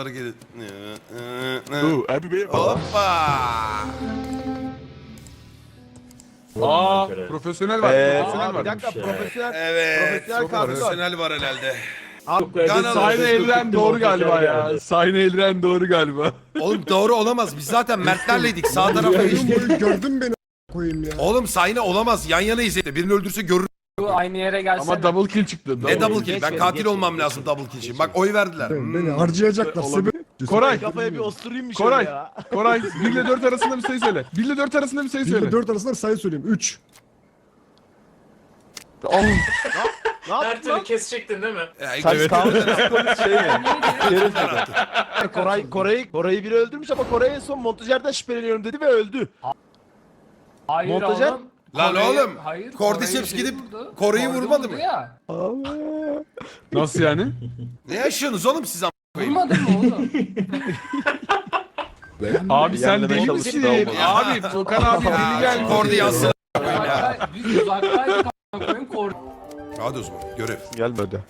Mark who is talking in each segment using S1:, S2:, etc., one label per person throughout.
S1: hareket.
S2: Abi Bey.
S1: Hoppa.
S2: Profesyonel var. Profesyonel var.
S3: Bir dakika profesyonel.
S1: Evet.
S3: Profesyonel kartı var.
S1: Profesyonel var herhalde.
S3: Ganalı.
S2: Sayın Elren doğru galiba ya. Sayın Elren doğru galiba.
S1: Oğlum doğru olamaz. Biz zaten Mertlerleydik. Sağ tarafa geçtik.
S4: Gördün beni koyayım ya.
S1: Oğlum Sayne olamaz. Yan yana izle. Birini öldürse görür.
S5: Aynı yere gelsene.
S2: Ama double kill çıktı.
S1: Ne double kill?
S5: Geç
S1: Ben
S5: beni,
S1: katil
S5: geç
S1: olmam
S5: beni,
S1: lazım double kill için. Bak oy verdiler.
S4: Beni harcayacaklar.
S2: Olabilir.
S4: Sebep.
S2: Koray.
S3: Kafaya bir osturayım bir şey
S2: Koray.
S3: ya.
S2: Koray 1 ile 4 arasında bir sayı söyle. 1 ile 4 arasında bir sayı
S4: 1
S2: söyle.
S4: ile 4 arasında sayı söyleyeyim. 3.
S3: Ne
S5: Her
S3: yaptın
S5: türlü
S3: lan?
S5: kesecektin değil mi?
S1: Evet.
S3: Şey mi? Koray'ı biri öldürmüş ama Koray en son montajerden şüpheleniyorum dedi ve öldü.
S5: Hayır
S3: Montajer-
S5: oğlum.
S1: Lan oğlum,
S5: Hayır.
S1: Cordyceps
S5: Kore'yi
S1: gidip
S5: vurdu.
S1: Kore'yi
S5: Cordy
S1: vurmadı
S5: vurdu
S1: mı?
S5: Ya.
S2: Nasıl yani?
S1: Ne yaşıyorsunuz oğlum siz am***?
S5: Vurmadın mı oğlum?
S2: Abi sen
S3: Yenmeye
S2: deli
S3: çalıştı
S2: misin?
S3: da olmadı.
S2: Abi Furkan abi deli geldi.
S1: Kordi yazsın.
S5: Biz uzaktaydık a**ına koyayım Cordy.
S1: Hadi o zaman görev.
S3: Gelmedi.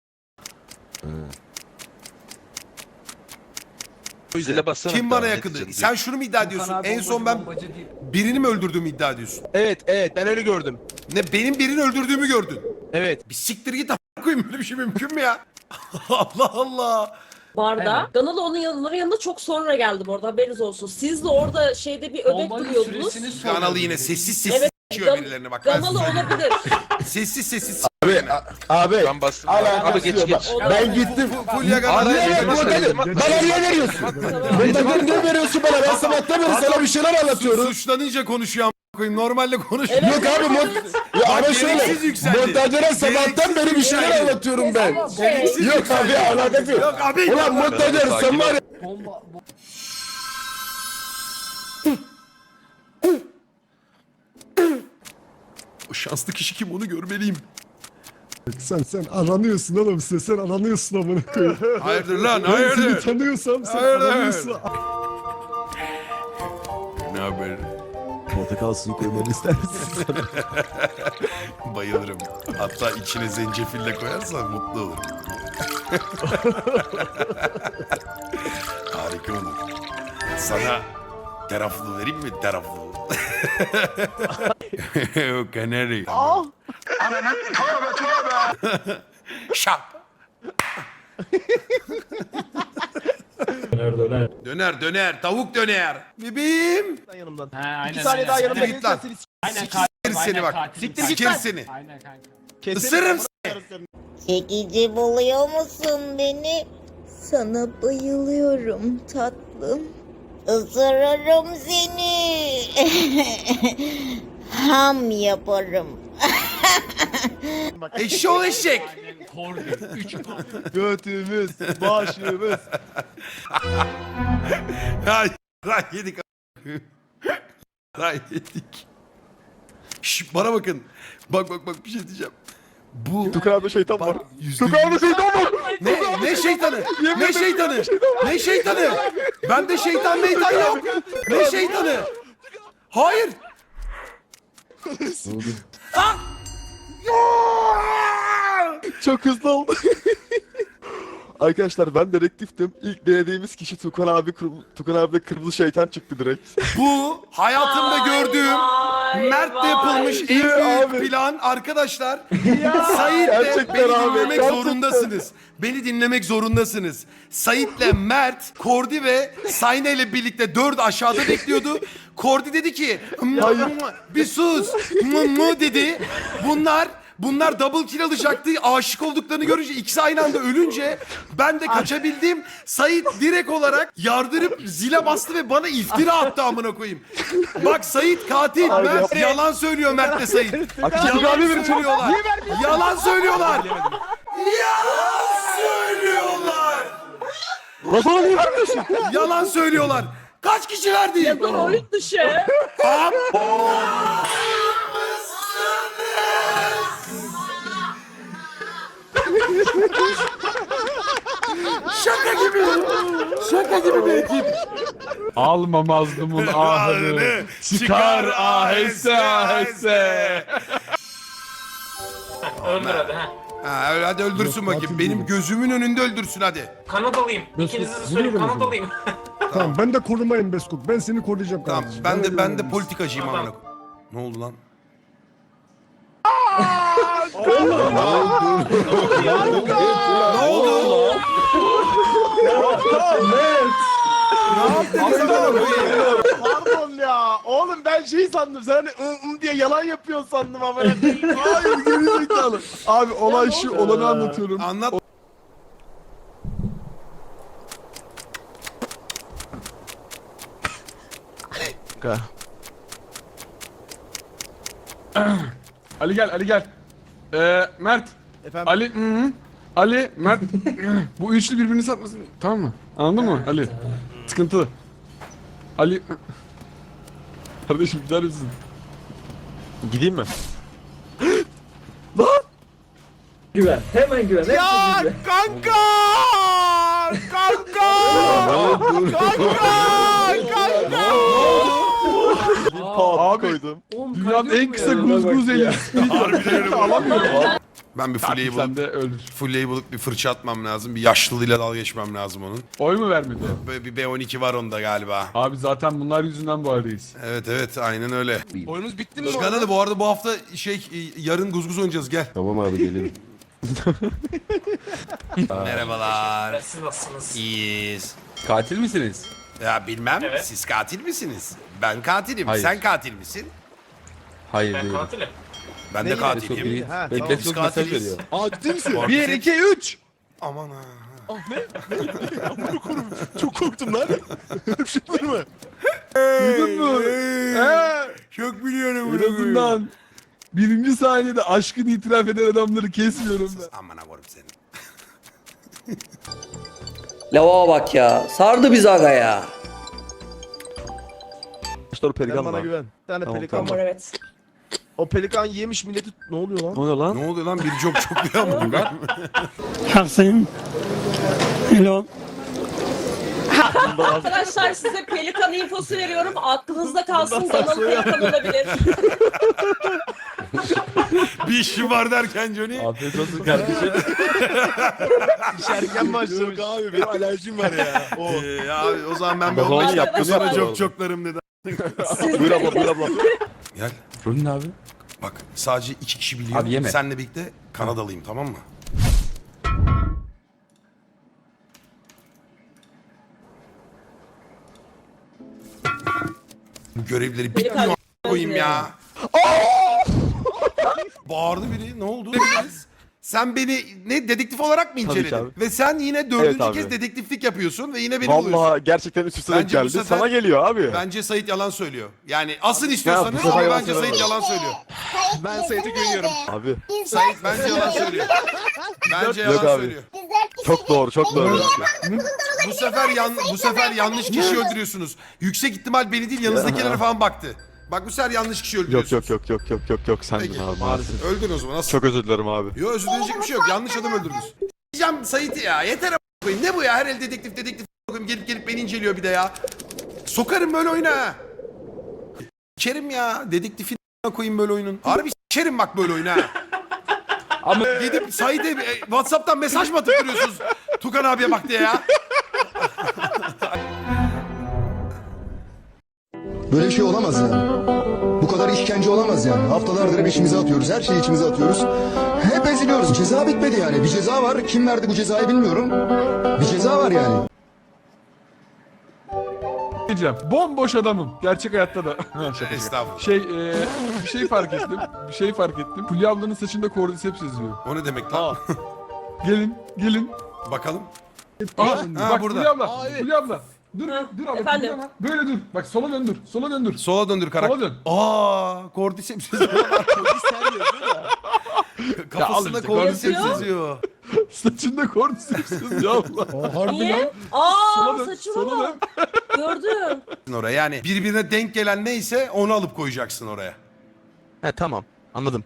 S6: Zile bassana.
S1: Kim
S6: bir
S1: bana
S6: daha,
S1: yakındı?
S6: net
S1: Sen şunu mu iddia ediyorsun?
S5: Furkan abi
S1: En son
S5: bombacı,
S1: ben
S5: bombacı değil.
S1: birini mi öldürdüğümü iddia ediyorsun?
S3: Evet ben öyle gördüm.
S1: Ne benim birini öldürdüğümü gördün?
S3: Evet.
S1: Bir siktir git a**ına koyayım, böyle bir şey mümkün mü ya? Allah Allah.
S7: Barda.
S5: Evet.
S7: Ganalı onun yanına çok sonra geldi bu arada, haberiniz olsun. Siz de orada şeyde bir öbek
S5: Bombanın
S7: duruyordunuz.
S5: süresini soruyor.
S1: Kanalı yine sessiz sessiz
S7: Evet,
S1: s***yiyor
S7: Gan-
S1: birilerine bak. Ben
S7: Ganalı
S1: size söyleyeyim.
S7: olabilir.
S1: Sessiz sessiz
S3: Abi.
S6: Ben bastım.
S3: Alakası
S6: Abi geç
S3: yok.
S6: geç.
S3: Ben gittim.
S1: Fulya Ganalı.
S3: Niye
S6: Araya
S3: montajı? Bana niye veriyorsun? Montajı niye veriyorsun bana? Ben sabahtan beri sana bir şeyler anlatıyorum.
S1: Suçlanınca konuşuyor a**ına koyayım. Normalde konuşmuyor.
S3: Yok abi ya ama şöyle.
S1: gereksiz yükseldi.
S3: Montajlara sabahtan beri bir şeyler
S1: yükseldi.
S3: anlatıyorum ben.
S1: Gereksiz
S3: Yok
S1: yükseldi.
S3: abi alakası yok.
S1: Yok abi.
S3: Ulan montajlar sen var ya.
S5: Bomba.
S1: O şanslı kişi kim, onu görmeliyim.
S4: Sen aranıyorsun oğlum. Sen aranıyorsun amına koyayım.
S1: Hayırdır lan,
S4: Ben seni
S1: hayırdır.
S4: tanıyorsam sen
S1: Hayırdır.
S4: aranıyorsun.
S1: Ne haber?
S3: Portakal suyu koymanı ister misin?
S1: Bayılırım. Hatta içine zencefille koyarsan mutlu olurum. Harika olur. Sana teraflu vereyim mi? Teraflu. O kanari. Ananın tövbe tövbe. Şap. Döner döner. Tavuk döner. Bebeğim.
S3: Yanımdan.
S5: Ha, aynen,
S3: 2 saniye daha
S5: aynen.
S3: yanımda
S1: Siktir git lan.
S3: gelirsen seni
S5: Aynen
S1: Siktir seni bak.
S5: katil.
S3: Siktir git
S1: Sikir
S3: lan.
S1: seni.
S5: Aynen kanka.
S1: Isırırım seni.
S8: Çekici buluyor musun beni? Sana bayılıyorum tatlım. Isırırım seni. Ham yaparım.
S1: Eşşoğlu eşek.
S5: Aynen Cordy. 3
S3: Götümüz, başımız.
S1: Ay, ray yedik. Ray yedik. Şş, bana bakın. Bak bir şey diyeceğim. Bu
S3: Tukan'da şeytan var.
S1: bak, yüzde
S3: Tukan'da şeytan var.
S1: ne şeytanı? Ne şeytanı? Ne şeytanı? Bende şeytan meytan yok. Ne şeytanı? Hayır. Ah!
S3: Çok hızlı oldu. Arkadaşlar ben dedektiftim. İlk denediğimiz kişi Tukan abi. Tukan abi kırmızı şeytan çıktı direkt.
S1: Bu hayatımda gördüğüm Mert'le yapılmış en büyük
S3: abi.
S1: plan arkadaşlar. Sait'le
S3: Gerçekten
S1: beni
S3: abi,
S1: dinlemek
S3: gerçekten.
S1: zorundasınız. Beni dinlemek zorundasınız. Sait'le Mert, Kordi ve Sayne ile birlikte 4 aşağıda bekliyordu. Kordi dedi ki bir sus dedi. Bunlar double kill alacaktı. Aşık olduklarını görünce ikisi aynı anda ölünce ben de kaçabildim. Sait direkt olarak yardırıp zile bastı ve bana iftira attı amına koyayım. Bak Sait katil. Mert yalan söylüyor Mert'le Sait. Yalan söylüyorlar. Yalan söylüyorlar. Yalan söylüyorlar.
S3: Nasıl niye vermiyorsun?
S1: Yalan söylüyorlar. Kaç kişi verdi?
S7: Oyun dışı.
S1: Şaka gibi. Şaka gibi bir ekip.
S2: Alma mazlumun ahını. Çıkar aheste aheste.
S5: Öldür hadi ha.
S1: Ha öyle hadi öldürsün
S4: Yok,
S1: bakayım.
S4: katil
S1: Benim
S4: değilim.
S1: gözümün önünde öldürsün hadi.
S5: Kanadalıyım.
S4: Mesut,
S5: İkinizin de
S4: bunu
S5: söyleyeyim
S4: da
S5: Kanadalıyım.
S4: Tamam ben de korumayım Beskok. Ben seni koruyacağım
S1: Tamam
S4: kardeşim.
S1: ben de
S4: öyle
S1: politikacıyım
S5: Tamam.
S1: amına. Ne oldu lan? Ne oldu?
S3: Pardon ya. Oğlum ben şey sandım. Sen hani diye yalan yapıyorsun sandım ama.
S2: Hayır gerizekalı. Abi olay şu olanı anlatıyorum.
S1: Anlat.
S2: Ali gel Ali gel. Mert.
S3: Efendim?
S2: Ali. Ali, Mert. Bu üçlü birbirini satmasın. Tamam mı? Anladın mı Ali? Sıkıntılı. Ali. Kardeşim gider misin?
S3: Gideyim mi?
S6: Güven. Hemen güven. Hepsi
S3: Ya
S6: bizde.
S3: kanka! Kanka! Kanka!
S2: Abi
S5: Oğlum,
S2: dünyanın
S5: kaydı
S2: en
S5: yok
S2: kısa
S5: mu ya?
S2: guzguz eli. Alamıyorum.
S1: Ben bir fulleyi
S2: Sen de
S1: bulup,
S2: öldür.
S1: fulleyi bulup bir fırça atmam lazım. Bir yaşlılığıyla dalga geçmem lazım onun.
S2: Oy mu vermedi?
S1: Böyle bir B12 var onda galiba.
S2: Abi zaten bunlar yüzünden bu haldeyiz.
S1: Evet aynen öyle.
S3: Oyunuz bitti mi?
S1: Çıkan hadi bu arada bu hafta yarın guzguz oynayacağız gel.
S4: Tamam abi gelelim.
S1: Merhabalar.
S5: Siz nasılsınız?
S1: İyiyiz.
S2: Katil misiniz?
S1: Ya bilmem
S5: Evet.
S1: siz katil misiniz? Ben katilim.
S2: Hayır.
S1: Sen katil misin?
S2: Hayır
S5: Ben katilim.
S1: Ben de katilim.
S3: Ha,
S1: Tamam,
S3: tamam.
S1: biz katiliz.
S3: Aa ciddi misin?
S1: Korkut
S2: 1,
S1: sen-
S2: 2, 3.
S1: Aman ha.
S3: Çok korktum lan. Öpüştün mü?
S2: Duydun mu?
S1: Çok biliyorum.
S2: En azından birinci saniyede aşkını itiraf eden adamları kesmiyorum ben.
S1: Aman koyayım seni.
S6: Lava bak ya. Sardı bizi aga ya.
S3: Sen bana güven. Bir tane pelikan
S7: Var
S3: var.
S7: evet.
S3: O pelikan yemiş milleti... Ne oluyor lan?
S1: Ne oluyor lan? Biri çok bir ama ben.
S7: Arkadaşlar size pelikan infosu veriyorum. Aklınızda kalsın. Danalı pelikan olabilir.
S1: Bir işim var derken Johnny.
S2: Afiyet olsun kardeşim.
S3: İşerken başlamış. abi benim alerjim var ya. O.
S1: Abi o zaman ben bir
S7: Bakalım
S1: 15 dakika
S7: yaptın
S1: sonra
S7: ya.
S1: çoklarım dedi.
S3: Buyur abla buyur abla.
S1: Gel.
S2: Rolün abi.
S1: Bak sadece 2 kişi biliyor.
S2: Abi yeme.
S1: Seninle birlikte Kanadalıyım tamam mı? Bu görevleri bitmiyor a**ına koyayım ya. Bağırdı biri. Ne oldu? Sen beni ne dedektif olarak mı inceledin?
S3: abi.
S1: Ve sen yine dördüncü
S3: abi.
S1: kez dedektiflik yapıyorsun ve yine beni buluyorsun.
S3: Vallahi gerçekten üst üste denk
S1: Bence bu
S3: geldi.
S1: sefer-
S3: Sana geliyor abi.
S1: Bence Sait yalan söylüyor. Yani asın istiyorsanız
S3: bu sefer
S1: ama
S3: yalan
S1: bence
S3: söylüyor.
S1: Sait yalan söylüyor.
S3: Ben Sait'e güveniyorum. Abi
S1: Sait bence yalan söylüyor. Bence
S3: Yok
S1: yalan
S3: abi.
S1: söylüyor.
S3: çok doğru çok doğru.
S1: Bu sefer yanlış kişi öldürüyorsunuz. Yüksek ihtimal beni değil yanınızdakilere falan baktı. Bak bu sefer yanlış kişi
S3: Yok
S1: öldürüyorsunuz.
S3: yok sendin
S1: Peki.
S3: abi maalesef.
S1: Öldün o zaman. Nasıl?
S3: Çok özür dilerim abi.
S1: Yok özür dileyecek bir şey yok. Yanlış adam öldürdünüz. Diyeceğim Sait'i ya. Yeter a**ına koyayım. Ne bu ya? Her el dedektif koyayım. Gelip beni inceliyor bir de ya. Sokarım böyle oyuna ha. Kerim ya. Dedektifin a**ına koyayım böyle oyunun. Harbi s**erim bak böyle oyuna ha. Ama gidip Sait'e WhatsApp'tan mesaj mı atıp duruyorsunuz? Tukan abiye bak diye ya.
S9: Böyle bir şey olamaz yani. Bu kadar işkence olamaz yani. Haftalardır hep içimize atıyoruz. Her şeyi içimize atıyoruz. Hep eziliyoruz. Ceza bitmedi yani. Bir ceza var. Kim verdi bu cezayı bilmiyorum. Bir ceza var yani.
S2: Diyeceğim. Bomboş adamım. Gerçek hayatta da.
S1: Estağfurullah.
S2: Bir şey fark ettim. Fulya ablanın saçında kordiseps yazıyor.
S1: O ne demek lan?
S2: Gelin.
S1: Bakalım.
S2: Bak
S1: burada.
S2: Fulya abla. Dur abla.
S7: efendim?
S2: Fulya abla. Böyle dur. Bak sola döndür.
S1: Sola döndür karakter.
S2: Sola dön.
S1: Cordyceps yazıyor. Kafasında
S2: işte,
S1: Cordyceps
S7: yazıyor.
S1: yazıyor.
S2: Saçında kordiseps yazıyor abla.
S4: Harbi lan.
S7: Niye?
S2: Sola
S7: Aa
S2: dön.
S7: saçıma
S2: Sola dön.
S7: bak. Gördüm.
S1: Oraya yani birbirine denk gelen neyse onu alıp koyacaksın oraya.
S3: He tamam anladım.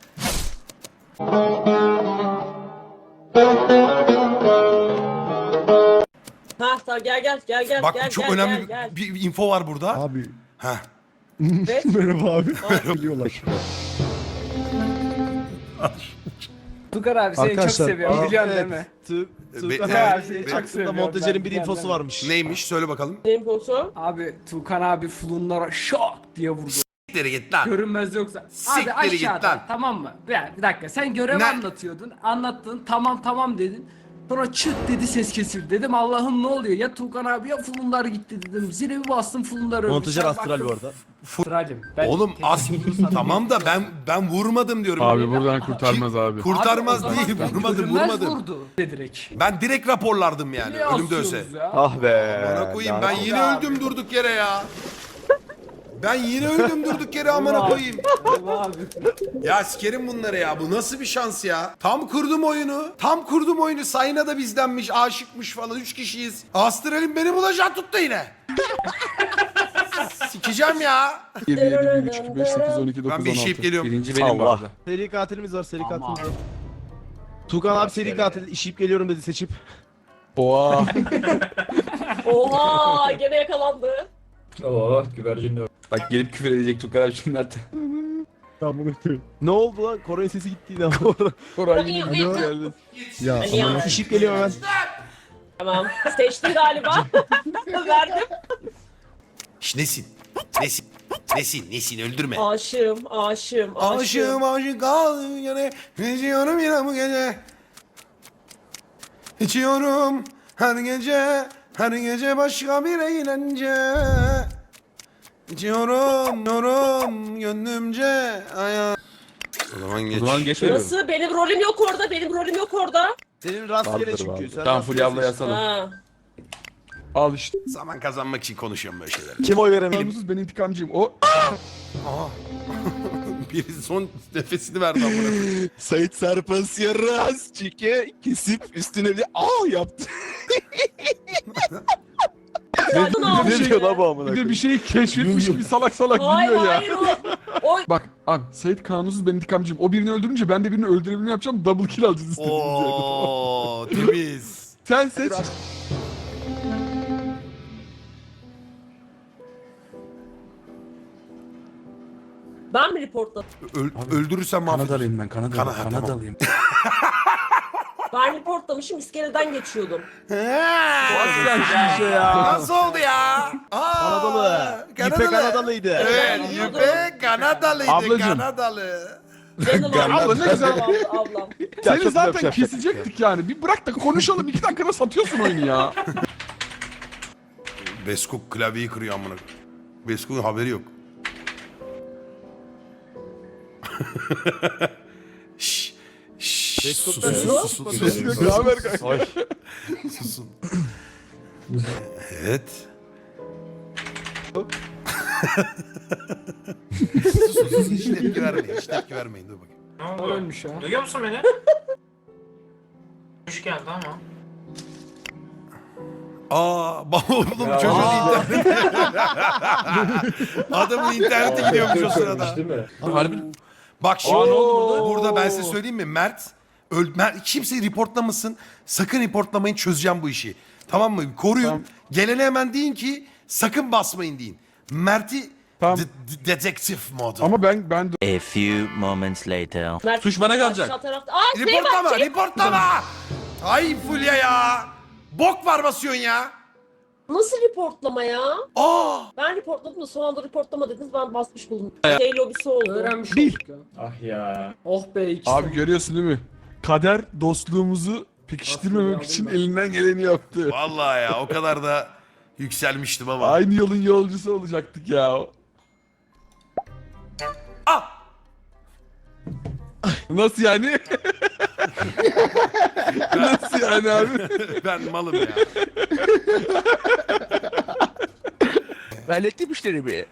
S7: Ha tamam gel.
S1: Bak
S7: gel,
S1: çok
S7: gel,
S1: önemli
S7: gel.
S1: bir info var burada.
S4: Abi.
S1: Heh.
S7: Evet.
S4: Merhaba abi. Geliyorlar.
S5: Tukar abi seni çok
S4: Arkadaşlar,
S5: seviyorum biliyorsun
S3: evet.
S5: değil mi?
S3: Tukan
S1: evet,
S3: abi
S1: evet.
S3: Çaksın'da montajerin bir infosu varmış.
S1: Neymiş söyle bakalım.
S7: Infosu.
S5: Abi Tukan abi flunlara şak diye vurdu.
S1: Siktir git lan.
S5: Görünmez yoksa. Abi
S1: Siktir git
S5: aşağıda
S1: lan.
S5: tamam mı? Bir dakika sen görev
S1: Ne?
S5: anlatıyordun. Anlattın tamam dedin. Sonra çıt dedi ses kesildi. Dedim Allah'ım ne oluyor? Ya Tukan abi ya flunlar gitti dedim. Zile bir bastım flunlar ölmüş.
S3: Montajer
S5: Sen
S3: astral
S5: baktın-
S3: bu arada.
S5: Astralim. Ben
S1: Oğlum as
S5: teknik
S1: tamam da ben vurmadım diyorum.
S2: Abi buradan kurtarmaz abi.
S1: Kurtarmaz
S5: Abi o zaman
S1: değil
S5: ben
S1: vurmadım
S5: görünmez
S1: vurmadım.
S5: vurdu direkt.
S1: Ben direkt raporlardım yani
S5: Niye
S1: ölümde ölse.
S5: asıyorsunuz ya?
S3: Ah be.
S1: Amına koyayım ben
S3: lanet.
S1: yine öldüm durduk yere ya. Ben yine öldüm durduk yere amına koyayım.
S5: Abi.
S1: Ya sikerim bunları ya. Bu nasıl bir şans ya? Tam kurdum oyunu. Tam kurdum oyunu. Sayına da bizdenmiş, aşıkmış falan. 3 kişiyiz. Astral'in beni bulacak tuttu yine. Sikeceğim ya.
S2: 7, 7, 1, 3, 2, 5, 8, 12, 9, 16.
S1: Ben bir işeyip geliyorum.
S2: Birinci benim bu
S3: Allah.
S2: arada.
S3: Seri katilimiz var seri
S5: Aman.
S3: katilimiz var. Tukan abi seri katil işeyip geliyorum dedi seçip.
S2: Oha.
S7: Oha gene yakalandı.
S10: Bak gelip küfür edecek Tukar abi şimdi artık.
S4: Ben bunu koyayım.
S3: Ne oldu lan? Kore'nin sesi gitti yine bu arada.
S2: Koray yine bir
S8: Alo.
S2: geldi.
S4: Ya
S7: Ali ya.
S4: ama
S3: İşeyip geliyorum hemen.
S7: Tamam. Seçtin galiba. Verdim.
S1: Şş, nesin? Nesin? Nesin öldürme.
S7: Aşığım.
S1: Aşığım aşık kaldım yine. İçiyorum yine bu gece. İçiyorum her gece başka bir eğlence. İçiyorum gönlümce aya. O zaman geç.
S10: O zaman geçmiyorum.
S7: Nasıl? Benim rolüm yok orada.
S3: Senin rastgele
S4: Vardır,
S3: çünkü.
S4: vardır.
S3: Sen
S10: Tamam
S3: rastgele
S10: Fulya abla
S3: seç.
S10: yasalım.
S7: Ha.
S2: Al işte.
S1: Zaman kazanmak için konuşuyorum böyle şeyler.
S3: Kim oy veremedi?
S2: Namussuz ben intikamcıyım. O
S1: Aha. Biri son nefesini verdi amına.
S3: Sait Serpas yarraz çike kesip üstüne bir yaptı.
S7: Zaten
S3: Ne
S7: almış.
S3: diyor lan bu amına
S2: bir de
S3: koyayım?
S2: bir şeyi keşfetmiş gibi salak
S7: Hayır
S2: gülüyor ya.
S7: hayır o.
S2: Bak abi Sait kanunsuz ben intikamcıyım. O birini öldürünce ben de birini öldürebilme yapacağım. Double kill alacağız istediğimiz yerde.
S1: Oo, temiz.
S2: Sen seç.
S7: Ben mi reportladım?
S1: Öldürürsem mahvederiz.
S10: Kanadalıyım ben Kanadalı.
S1: Tamam.
S10: Kanadalıyım.
S7: Ben reportlamışım iskeleden geçiyordum.
S3: Şişe ya.
S1: Nasıl oldu ya?
S3: Kanadalı. İpe Kanadalıydı.
S1: Evet, İpe Kanadalıydı.
S2: Ablacım.
S1: Kanadalı.
S7: Canım
S2: Abla ne güzel.
S7: ablam.
S2: Seni
S3: çok
S2: zaten
S3: güzel
S2: kesecektik yani. Bir bırak da konuşalım. 2 dakikada satıyorsun oyunu ya.
S1: Beskok klavyeyi kırıyor amına. Beskok'un haberi yok. Şşş. Şşş.
S3: Beskok'tan
S1: Susun.
S2: Ne haber kanka?
S1: Susun. Evet. Sus. Hiç tepki vermeyin. Hiç tepki vermeyin. Dur bakayım.
S5: Ölmüş ya. Duyuyor musun beni? Hoş geldi ama.
S1: Oğlum çocuğun interneti. Adamın interneti gidiyormuş o sırada.
S10: Harbi.
S1: Bak şimdi
S2: ne oldu
S1: burada ben size söyleyeyim mi? Mert kimseyi reportlamasın. Sakın reportlamayın, çözeceğim bu işi. Tamam mı? Koruyun.
S2: Tamam.
S1: Gelene hemen deyin ki sakın basmayın deyin. Mert'i
S2: Tamam.
S1: dedektif modu.
S2: Ama ben
S11: A few moments later.
S7: Mert,
S10: Suç bana kalacak.
S7: aşağı tarafta. Aa şey
S1: Reportlama,
S7: var.
S1: reportlama. Ay Fulya ya. Bok var basıyorsun ya.
S7: Nasıl reportlama ya?
S1: Aa.
S7: Ben reportladım da son anda reportlama dediniz ben basmış bulundum. Şey lobisi oldu.
S5: Öğrenmiş olduk ya. Ah ya. Oh be ikisi.
S2: abi görüyorsun değil mi? Kader dostluğumuzu pekiştirmemek için elinden geleni yaptı.
S1: Vallahi ya o kadar da yükselmiştim ama.
S2: Aynı yolun yolcusu olacaktık ya.
S1: Ah.
S2: Nasıl yani? Nasıl yani abi?
S1: Ben malım ya.
S3: Hallettim işlerimi.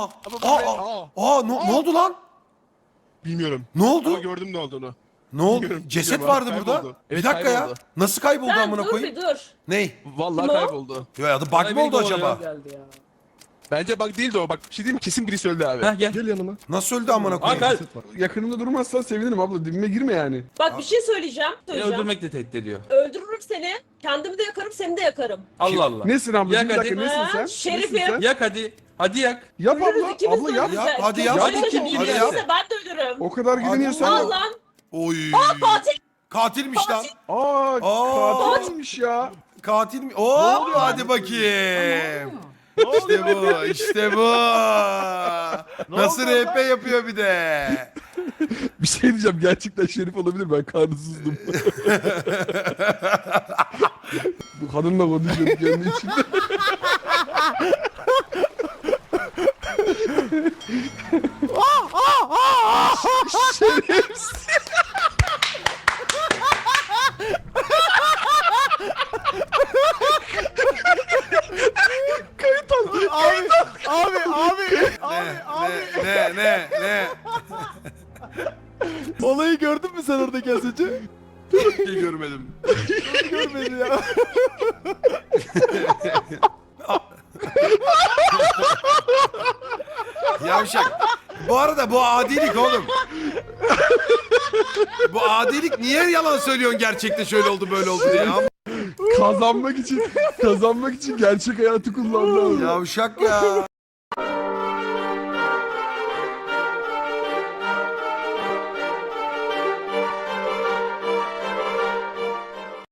S1: Ne oldu lan?
S4: bilmiyorum.
S1: Ne oldu?
S4: Ama gördüm ne olduğunu.
S1: Ne oldu?
S4: Bilmiyorum,
S1: Ceset
S4: bilmiyorum
S1: vardı
S4: abi,
S1: burada.
S4: kayboldu.
S1: Bir
S3: Evet,
S1: dakika ya.
S3: kayboldu.
S1: Nasıl kayboldu
S7: Sen
S1: amına
S7: dur
S1: koyayım?
S7: bir dur.
S1: Ney?
S4: Vallahi
S7: Kim o?
S4: kayboldu.
S1: Ya adı bug mı oldu acaba?
S5: Geldi ya.
S4: Bence bak değildi o. Bak bir şey diyeyim mi? Kesin birisi öldü abi.
S10: Heh gel.
S4: Gel yanıma.
S1: Nasıl öldü amına koyayım?
S10: Hakan.
S2: Yakınımda durmazsan sevinirim abla. Dibime girme yani.
S7: Bak bir şey söyleyeceğim.
S10: Beni öldürmekle tehdit ediyor.
S7: Öldürürüm seni. Kendimi de yakarım seni de yakarım.
S10: Allah Allah.
S2: Nesin abla?
S10: Yak
S2: Bir dakika
S10: hadi.
S2: nesin sen?
S7: Şerifim.
S2: Nesin sen?
S10: Yak hadi. Hadi yak.
S2: Yap
S7: Ölürüz
S2: abla.
S7: ikimiz
S2: Abla
S7: de
S2: yap.
S7: ölürüz.
S1: Hadi yap.
S7: Hadi
S10: Hadi kim
S7: kim
S10: bilirse.
S7: ben de ölürüm.
S2: O kadar gidin ya sen
S7: Al
S2: yap.
S7: lan.
S1: Oy.
S7: Katil.
S1: Katilmiş lan.
S2: Aa katilmiş ya.
S1: Katil mi? Oo, hadi bakayım. İşte bu, işte bu. Nasıl RP yapıyor bir de.
S2: Bir şey diyeceğim, gerçekten Şerif olabilir, ben karnısızdım. Bu kadınla konuşuyorum kendi içimde. Şerefsiz. Kayıt al.
S1: Ne?
S3: Olayı gördün mü sen oradaki az önce?
S1: Hiç görmedim.
S3: Görmedi ya.
S1: Yavşak. Bu arada bu adilik oğlum. Bu adilik, niye yalan söylüyorsun gerçekte şöyle oldu böyle oldu diye.
S2: Kazanmak için gerçek hayatı kullandı.
S1: Yavşak ya.